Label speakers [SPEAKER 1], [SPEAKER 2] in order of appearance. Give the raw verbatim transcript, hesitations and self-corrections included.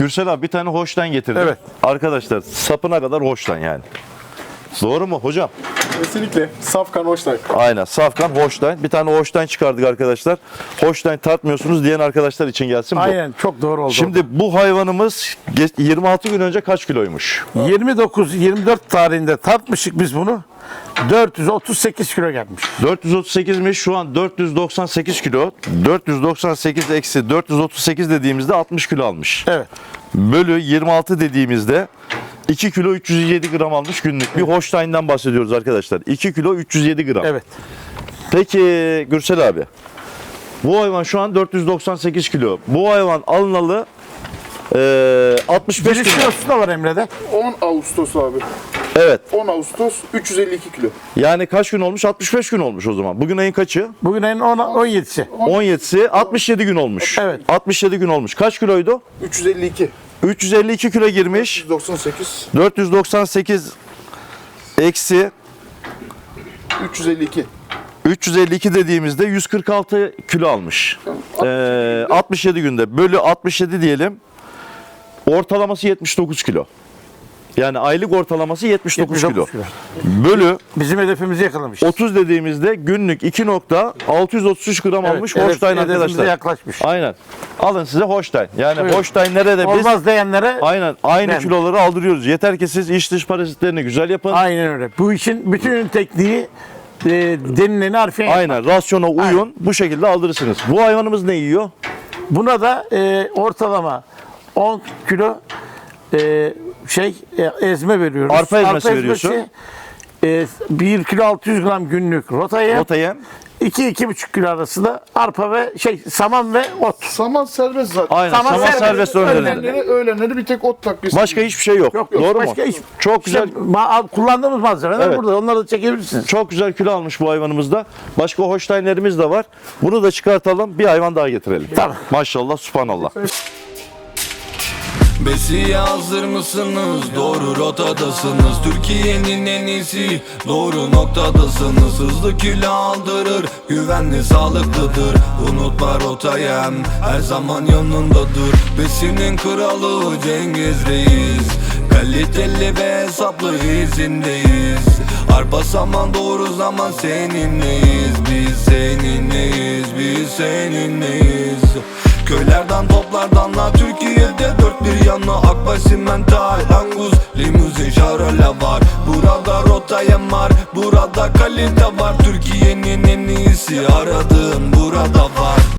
[SPEAKER 1] Gürsel abi bir tane Holstein getirdim.
[SPEAKER 2] Evet.
[SPEAKER 1] Arkadaşlar sapına kadar Holstein yani. Doğru mu hocam?
[SPEAKER 3] Kesinlikle. Safkan Holstein.
[SPEAKER 1] Aynen. Safkan Holstein. Bir tane Holstein çıkardık arkadaşlar. Holstein tartmıyorsunuz diyen arkadaşlar için gelsin bu.
[SPEAKER 2] Aynen, çok doğru oldu.
[SPEAKER 1] Şimdi bu hayvanımız geç- yirmi altı gün önce kaç kiloymuş?
[SPEAKER 2] yirmi dokuz yirmi dört tarihinde tartmışık biz bunu. dört yüz otuz sekiz kilo gelmiş.
[SPEAKER 1] dört yüz otuz sekizmiş, şu an dört yüz doksan sekiz kilo. dört yüz doksan sekiz eksi dört yüz otuz sekiz dediğimizde altmış kilo almış.
[SPEAKER 2] Evet.
[SPEAKER 1] Bölü yirmi altı dediğimizde iki kilo üç yüz yedi gram almış günlük. Bir Holstein'den bahsediyoruz arkadaşlar. iki kilo üç yüz yedi gram.
[SPEAKER 2] Evet.
[SPEAKER 1] Peki Gürsel abi. Bu hayvan şu an dört yüz doksan sekiz kilo. Bu hayvan alınalı eee altmış beş
[SPEAKER 2] Giriş
[SPEAKER 1] kilo.
[SPEAKER 2] kilosu da var Emre'de.
[SPEAKER 3] on Ağustos abi.
[SPEAKER 1] Evet.
[SPEAKER 3] on Ağustos üç yüz elli iki kilo.
[SPEAKER 1] Yani kaç gün olmuş? altmış beş gün olmuş o zaman. Bugün ayın kaçı?
[SPEAKER 2] Bugün ayın on yedisi.
[SPEAKER 1] on yedisi. altmış yedi gün olmuş.
[SPEAKER 2] Evet.
[SPEAKER 1] altmış yedi gün olmuş. Kaç kiloydu?
[SPEAKER 3] üç yüz elli iki.
[SPEAKER 1] üç yüz elli iki kilo girmiş.
[SPEAKER 3] yüz doksan sekiz.
[SPEAKER 1] dört yüz doksan sekiz eksi
[SPEAKER 3] üç yüz elli iki.
[SPEAKER 1] üç yüz elli iki dediğimizde yüz kırk altı kilo almış. Ee, altmış yedi günde. Bölü altmış yedi diyelim. Ortalaması yetmiş dokuz kilo. Yani aylık ortalaması yetmiş dokuz,
[SPEAKER 2] yetmiş dokuz
[SPEAKER 1] kilo.
[SPEAKER 2] kilo.
[SPEAKER 1] Bölü
[SPEAKER 2] Bizim hedefimizi yakalamış.
[SPEAKER 1] otuz dediğimizde günlük iki nokta altı yüz otuz üç gram almış
[SPEAKER 2] hedef-
[SPEAKER 1] Holstein
[SPEAKER 2] hedefimize
[SPEAKER 1] arkadaşlar.
[SPEAKER 2] yaklaşmış.
[SPEAKER 1] Aynen. Alın size Holstein. Yani
[SPEAKER 2] Evet.
[SPEAKER 1] Holstein nerede biz?
[SPEAKER 2] Olmaz diyenlere
[SPEAKER 1] Aynen. Aynı
[SPEAKER 2] Ben-
[SPEAKER 1] kiloları aldırıyoruz. Yeter ki siz iç dış parazitlerini güzel yapın.
[SPEAKER 2] aynen öyle. Bu işin bütün tekniği e, denileni harfiyen yapmak.
[SPEAKER 1] Aynen. Rasyona uyun.
[SPEAKER 2] Aynen.
[SPEAKER 1] Bu şekilde aldırırsınız. Bu hayvanımız ne yiyor?
[SPEAKER 2] Buna da e, ortalama on kilo e, şey e, ezme veriyoruz.
[SPEAKER 1] Arpa ezmesi veriyorsun.
[SPEAKER 2] E, bir kilo altı yüz gram günlük rotaya,
[SPEAKER 1] Rota yem.
[SPEAKER 2] iki iki buçuk kilo arasında arpa ve şey saman ve ot.
[SPEAKER 3] Saman serbest zaten.
[SPEAKER 1] Aynen.
[SPEAKER 2] Saman
[SPEAKER 1] Saman,
[SPEAKER 2] serbest.
[SPEAKER 1] serbest önlerinde.
[SPEAKER 3] Öğlenleri, öğlenleri bir tek ot takviyesi.
[SPEAKER 1] Başka hiçbir şey yok.
[SPEAKER 2] Yok, yok,
[SPEAKER 1] Doğru
[SPEAKER 2] başka
[SPEAKER 1] mu?
[SPEAKER 2] hiç-
[SPEAKER 1] Çok güzel.
[SPEAKER 2] İşte ma- kullandığımız malzemeler
[SPEAKER 1] Evet.
[SPEAKER 2] burada. Onları da çekebilirsiniz.
[SPEAKER 1] Çok güzel kilo almış bu hayvanımızda. Başka Holstein'lerimiz de var. Bunu da çıkartalım. Bir hayvan daha getirelim.
[SPEAKER 2] Tamam.
[SPEAKER 1] Maşallah, subhanallah.
[SPEAKER 4] Besiye hazır mısınız? Doğru rotadasınız. Türkiye'nin en iyisi, doğru noktadasınız. Hızlı kilo aldırır, güvenli sağlıklıdır. Unutma rotayem, her zaman yanındadır. Besinin kralı Cengiz Reis, kaliteli ve hesaplı izindeyiz. Arpa saman doğru zaman seninleyiz. Biz seninleyiz, biz seninleyiz. Köylerden toplardanla Türkiye'de dört bir yanı Akbaş, Simental, Angus, Limuzin, Şarole var. Burada rotayem var, burada kalite var. Türkiye'nin en iyisi aradığın burada var.